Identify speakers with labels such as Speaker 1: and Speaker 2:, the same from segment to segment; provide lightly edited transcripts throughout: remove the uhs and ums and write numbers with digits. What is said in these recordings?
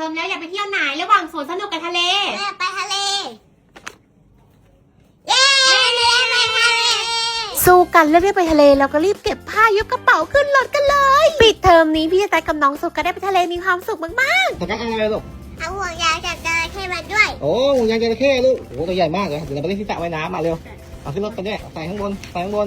Speaker 1: เทอมแล้วอยากไปเที่ยวไหนระหว่างสวนสนุกกับทะเล
Speaker 2: ไปทะเลเย้ไปทะเล
Speaker 3: สู้กันเลือกได้ไปทะเลแล้วก็รีบเก็บผ้ายกกระเป๋าขึ้นรถกันเลยปิดเทอมนี้พี่จะแต่กับน้องสุกก็ได้ไปทะเลมีความสุขมาก
Speaker 4: แต่ก็อะไรลูก
Speaker 2: เอาห่วงยางจับจระเข้มาด้วย
Speaker 4: โอ้ห่วงยางจระเข้ลูกโอ้ตัวใหญ่มากเลยเดี๋ยวเราไปเล่นที่สระว่ายน้ำมาเร็วเอาขึ้นรถไปด้วยใส่ข้างบน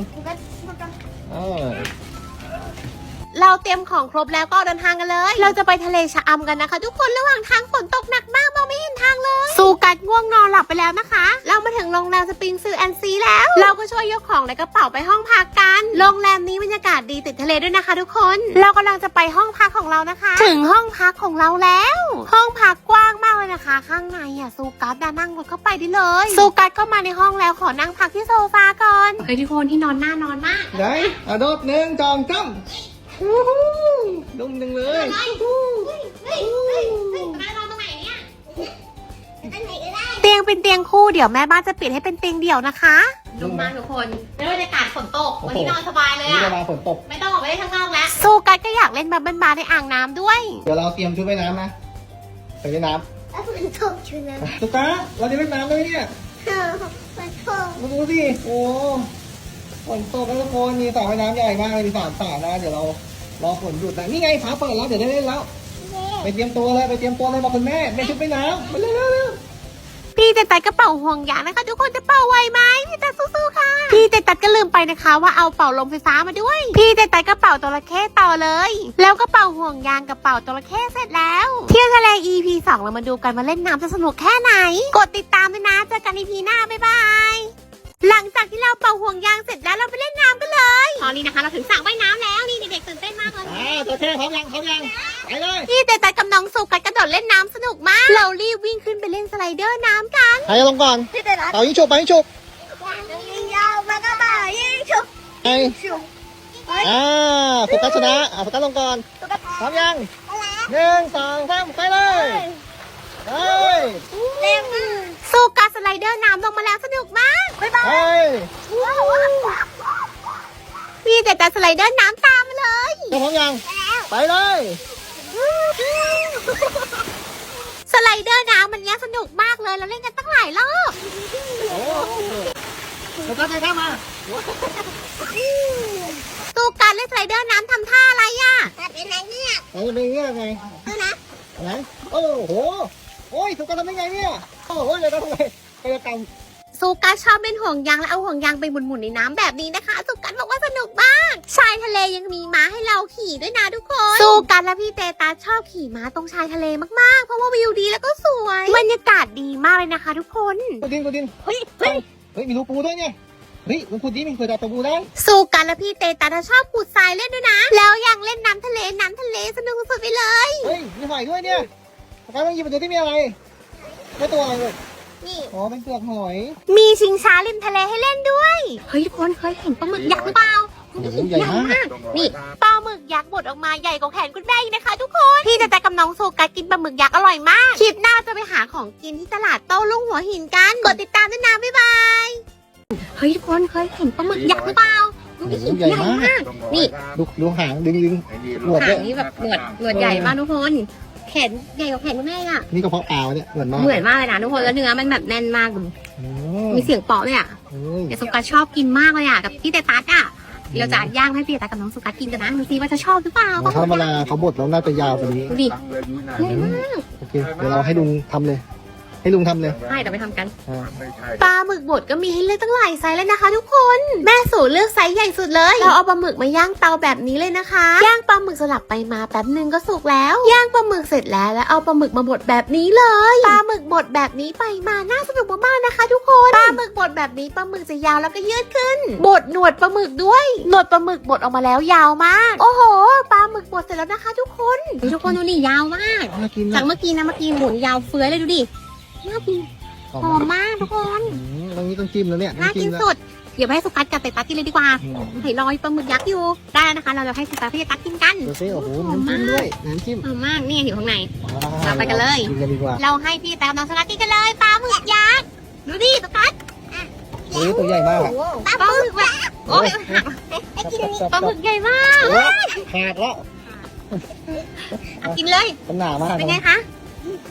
Speaker 3: เราเตรียมของครบแล้วก็เดินทางกันเลยเราจะไปทะเลชะอำกันนะคะทุกคนระหว่างทางฝนตกหนักมากมองไม่เห็นทางเลยสู้กันง่วงนอนหลับไปแล้วนะคะเรามาถึงโรงแรมสปริงซิลแอนด์ซีแล้วเราก็ช่วยยกของในกระเป๋าไปห้องพักกันโรงแรมนี้บรรยากาศดีติดทะเลด้วยนะคะทุกคนเรากำลังจะไปห้องพักของเรานะคะถึงห้องพักของเราแล้วห้องพักกว้างมากเลยนะคะข้างในสู้กัสนั่งรถเข้าไปได้เลยสู้กัสก็มาในห้องแล้วขอนั่งพักที่โซฟาก่อน
Speaker 1: เฮ้ยทุกคนที่นอนหน้านอนมาก
Speaker 4: ไหนโดด1 2 3ดุ้งดึงเลย
Speaker 3: เตียงเป็นเตียงคู่เดี๋ยวแม่บ้านจะเปลี่ยนให้เป็นเตียงเดี่ยวนะคะ
Speaker 1: ดุมากทุกคนแล้วบรรยากาศฝนตกวันนี้นอนสบายเลยอ่ะ
Speaker 4: ฝนตก
Speaker 1: ไม่ต้องออกไปเล่นข้างนอกแล้ว
Speaker 3: สู้กัสก็อยากเล่นแบบบานๆในอ่างน้ำด้วย
Speaker 4: เดี๋ยวเราเตรียมชุดว่ายน้ำนะใส่ว่ายน้
Speaker 2: ำแล้วฝนตกชุดนั้น
Speaker 4: ตุ๊กตาเราจะเล่นน้ำด้วยเนี่ย
Speaker 2: ฝนตก
Speaker 4: มาดูสิโอ้ฝนตกแล้วทุกคนมีสระว่ายน้ำใหญ่มากเลยมี3 สระนะเดี๋ยวเรารอฝนหยุดนะนี่ไงฟ้าเปิดแล้วเดี๋ยวได้เล่นแล้วไปเตรียมตัวเลยบอกคุณแม่ชุดว่ายน้ำไปเร็ว
Speaker 3: พี่เตตัดกระเป๋าห่วงยางนะคะทุกคนจะเป่าไหวไหมพี่เตตัดสู้ๆค่ะพี่เตตัดก็ลืมไปนะคะว่าเอาเป่าลมไฟฟ้ามาด้วยพี่เตตัดกระเป๋าจระเข้ต่อเลยแล้วก็เป่าห่วงยางกับเป่าจระเข้เสร็จแล้วเที่ยวทะเล EP 2เรามาดูกันมาเล่นน้ำจะสนุกแค่ไหนกดติดตามด้วยนะเจอกัน EP หน้าบ๊ายบายหลังจากที่เราเป่าห่วงยางเสร็จแล้วเราไปเล่นน้ำกันเลย
Speaker 1: ตอนนี้นะคะเราถึงสระว่ายน้ำแล้วนี่เด็กๆตื่นเต้นมากเลย
Speaker 4: จระเข้พร้อมยังไปเลย
Speaker 3: พี่เตตัดกับน้องสุกกระโดดเล่นน้ำสนุกมากเรารีบวิ่งขึ้นไปเล่นสไลเดอร์น้ำกัน
Speaker 4: ใครลงก่อนเป่ายิงฉุบ
Speaker 2: ยิงยาวมาก็มายิงฉุบ
Speaker 4: โฟกัสชนะโฟกัสลงก่อนพร้อมยัง1 2 3ไปเลย
Speaker 3: สู้การสไลเดอร์น้ำลงมาแล้วสนุกมากบ๊ายบายพี่เด็ดสไลเดอร์น้ำตามมาเลย
Speaker 4: พร้อมยังไปเลย
Speaker 3: สไลเดอร์น้ำมันเนี้ยสนุกมากเลยเราเล่นกันตั้งหลายรอบ
Speaker 4: แล้วก็ไปข้ามมา
Speaker 3: สู้การเล่นสไลเดอร์น้ำทำท่าอะไรอ่ะ
Speaker 2: เป็นไงเนี่ย
Speaker 4: เป็นไงไง
Speaker 2: ดูนะ
Speaker 4: ไหนโอ้โหโอ้ยสุกการทำได้ไงเนี่ยโอ้โหเลยทำไงไปกรรม
Speaker 3: สุกัสชอบเล่นห่วงยางและเอาห่วงยางไปหมุนๆในน้ำแบบนี้นะคะสุกัสบอกว่าสนุกมากชายทะเลยังมีม้าให้เราขี่ด้วยนะทุกคนสุกัสและพี่เตตัสชอบขี่ม้าตรงชายทะเลมากๆเพราะว่าวิวดีแล้วก็สวยบรรยากาศดีมากเลยนะคะทุกคน
Speaker 4: กูดินเฮ้ยมีรูปูด้วยเนี่ยเฮ้ยมันขุดดิมันเคยจับปูได้
Speaker 3: สุกัสและพี่เตตัสชอบขุดทรายเล่นด้วยนะแล้วยังเล่นน้ำทะเลสนุกสุดไปเลย
Speaker 4: เฮ้ยมีหอยด้วยเนี่ยการต้องหยิบมาดูที่มีอะไรไม่ตัวอะไรเลย
Speaker 2: นี่
Speaker 4: อ๋อเป็นเปลือกหอย
Speaker 3: มีชิงช้าริมทะเลให้เล่นด้วยเฮ้ยทุกคนเคยเห็นปลาหมึกยักษ์หรือเปล่า
Speaker 4: ใหญ่มาก
Speaker 3: นี่ปลาหมึกยักษ์บดออกมาใหญ่กว่าแขนคุณแม่นะคะทุกคนพี่จะกับน้องโซกัสกินปลาหมึกยักษ์อร่อยมากคลิปหน้าจะไปหาของกินที่ตลาดโต้รุ่งหัวหินกันกดติดตามด้วยนะบ๊ายบายเฮ้ยทุกคนเคยเห็นปลาหมึกยักษ์หรือเปล่า
Speaker 4: ใหญ่มาก
Speaker 3: นี่
Speaker 4: ดูหางดึง
Speaker 1: หนวดนี่แบบหนวดใหญ่มากทุกคนแขนใหญ่กว่าแขนคุณแม่อ่ะ
Speaker 4: นี่กระเพาะปลาเนี่ยเหมือนมาก
Speaker 1: เลยนะทุกคนแล้วเนื้อมันแบบแน่นมากดูมีเสียงเปาะเลยอ่ะแต่สุกัสชอบกินมากเลยอ่ะกับพี่เตตัสอ่ะเราจะย่างให้พี่เตตัสกับน้องสุกัสกินกันนะดูซิว่าจะชอบหรือเปล่า
Speaker 4: ถ้าเวลาเขาบดแล้วน่าจะยาวกว่านี้
Speaker 1: ดูดิ
Speaker 4: โอเคเดี๋ยวเราให้ลุงทำเลยให้ลุงทำเลย
Speaker 1: ใช่เดี๋ยวไปทำกัน
Speaker 3: ปลาหมึกบดก็มีให้เลือกตั้งหลายไซส์แล้วนะคะทุกคนแม่สูเลือกไซส์ใหญ่สุดเลยเราเอาปลาหมึกมาย่างเตาแบบนี้เลยนะคะย่างปลาหมึกสลับไปมาแป๊บนึงก็สุกแล้วย่างปลาหมึกเสร็จแล้วเอาปลาหมึกมาบดแบบนี้เลยปลาหมึกบดแบบนี้ไปมาน่าสนุกมากๆนะคะทุกคนปลาหมึกบดแบบนี้ปลาหมึกจะยาวแล้วก็ยืดขึ้นบดหนวดปลาหมึกด้วยหนวดปลาหมึกบดออกมาแล้วยาวมากโอ้โหปลาหมึกบดเสร็จแล้วนะคะทุกคน
Speaker 1: ดูนี่ยาวมากจากเมื่อกี้หมุนยาวเฟื้อยเลยดูดิน่ากินหอมมากทุกคน
Speaker 4: ตรงนี้ต้องจิ้มแล้วเนี่ย
Speaker 1: น่ากินสุดเดี๋ยวให้สุกัสกับเตตัสกินเลยดีกว่าเห็นรอยปลาหมึกยักษ์อยู่ได้นะคะเราจะให้สุกัสพี่เตตัสกินกัน
Speaker 4: ดูสิโอ้โหน้ำจิ้มด้วยน้ำจิ้ม
Speaker 1: หอมมากนี่อยู่ข้างในเราไปกันเลย
Speaker 4: กินกันดีกว่า
Speaker 1: เราให้พี่เตตัสน้องสุกัสกินกันเลยปลาหมึกยักษ์ดูดิสุกัส
Speaker 4: ตัวใหญ่มาก
Speaker 1: ปลาหมึกแบบโอ้ยปลาหมึกใหญ่มาก
Speaker 4: ขาดแล้ว
Speaker 1: กินเลย
Speaker 4: มันหนามาก
Speaker 1: เป็นไงคะ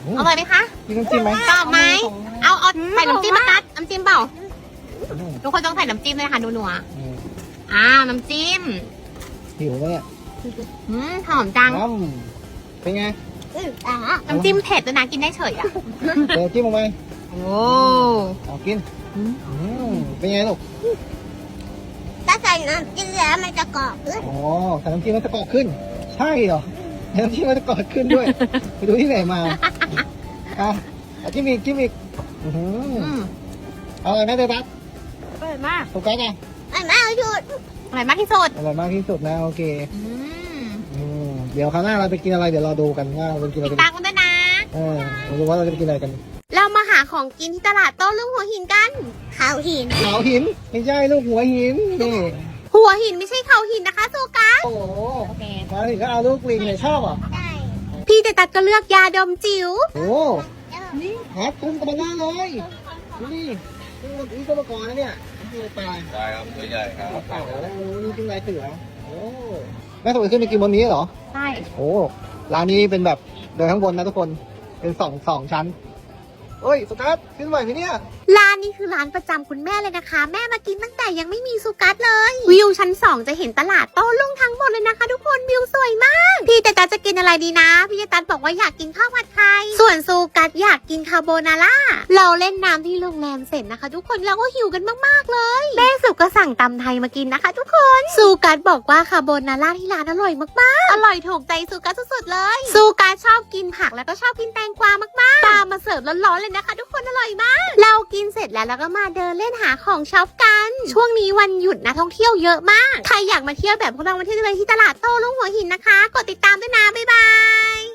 Speaker 1: อร่อยไหมคะ
Speaker 4: มีน้ำจิ้มไหม
Speaker 1: ชอบไหมเอาใส่น้ำจิ้มมาตัดน้ำจิ้มเปล่าทุกคนต้องใส่น้ำจิ้มเลยค่ะนัวๆน้ำจิ้ม
Speaker 4: หิวไหมเนี่ย
Speaker 1: หอมจัง
Speaker 4: เป็นไง
Speaker 1: น้ำจิ้มเผ็ดด้วยนะกินได้เฉยอ่ะ
Speaker 4: เดี๋ยวจิ้มลงไป
Speaker 1: โอ้
Speaker 4: เอากินเป็นไงลูก
Speaker 2: ถ้าใส่น้ำจิ้มแล้วมันจะกรอบเลย
Speaker 4: อ๋อใส่น้ำจิ้มมันจะกรอบขึ้น ใช่เหรอน้ำจิ้มมันจะกรอบขึ้นด้วย ไปดูที่ไหนมาเอาจิ้มอีกเอาอะไรไหมเดบัส
Speaker 1: อร่อยมาก
Speaker 4: โฟกัสไง
Speaker 2: ไม่เอาหยุด
Speaker 1: อร่อยมากที่สุด
Speaker 4: อร่อยมากที่สุดนะโอเคเดี๋ยวคราวหน้าเราไปกินอะไรเดี๋ยวเราดูกันว่าเราจะกินอะไร
Speaker 1: ติด
Speaker 4: กัน
Speaker 1: ตามกันด้วยนะ
Speaker 4: เราดูว่าเราจะไปกินอะไรกัน
Speaker 3: เรามาหาของกินที่ตลาดโต้รุ่งหัวหินกัน
Speaker 2: เขาหิน
Speaker 4: เขาหินไม่ใช่ลูกหัวหินนี่
Speaker 3: หัวหินไม่ใช่เขาหินนะคะโซกัส
Speaker 4: โอ้โหมาถึงก็เอาลูกลิงเนี่ยชอบอ่ะ
Speaker 2: ได้
Speaker 3: พี่เตตัดก็เลือกยาดมจิ๋ว
Speaker 4: โอ้ครับคุ้มกับมันเลยดูดินี่ตัวประกอบนะเนี่ยตาย
Speaker 5: ได้ครับตัวใหญ่ครับ
Speaker 4: เต่าแล้วนี่เป็นลายเสือโอ้แม่สมัยขึ้นไปกินบนนี้เหรอ
Speaker 1: ใช่
Speaker 4: โอ้ร้านนี้เป็นแบบเดินข้างบนนะทุกคนเป็นสองชั้นเอ้ยสกัดขึ้นไหวไหมเนี่ย
Speaker 3: ร้านนี้คือร้านประจำคุณแม่เลยนะคะ แม่มากินตั้งแต่ยังไม่มีซูกัสเลย วิวชั้น 2 จะเห็นตลาดโต้รุ่งทั้งหมดเลยนะคะ ทุกคนวิวสวยมาก พี่เตตัสจะกินอะไรดีนะ พี่เตตัสบอกว่าอยากกินข้าวผัดไข่ส่วนซูกัสอยากกินคาโบนาร่าเราเล่นน้ำที่โรงแรมเสร็จนะคะ ทุกคนเราก็หิวกันมากๆเลยแม่สุก็สั่งตำไทยมากินนะคะ ทุกคนซูกัสบอกว่าคาโบนาร่าที่ร้านอร่อยมากๆอร่อยถูกใจซูกัสสุดๆเลยซูกัสชอบกินผักแล้วก็ชอบกินแตงกวามากๆตามมาเสิร์ฟร้อนๆเลยนะคะ ทุกคนอร่อยมากเรากินเสร็จแล้วเราก็มาเดินเล่นหาของช็อปกัน ช่วงนี้วันหยุดนะท่องเที่ยวเยอะมากใครอยากมาเที่ยวแบบพวกเรามาเที่ยวเลยที่ตลาดโต้รุ่งหัวหินนะคะกดติดตามด้วยนะบ๊ายบาย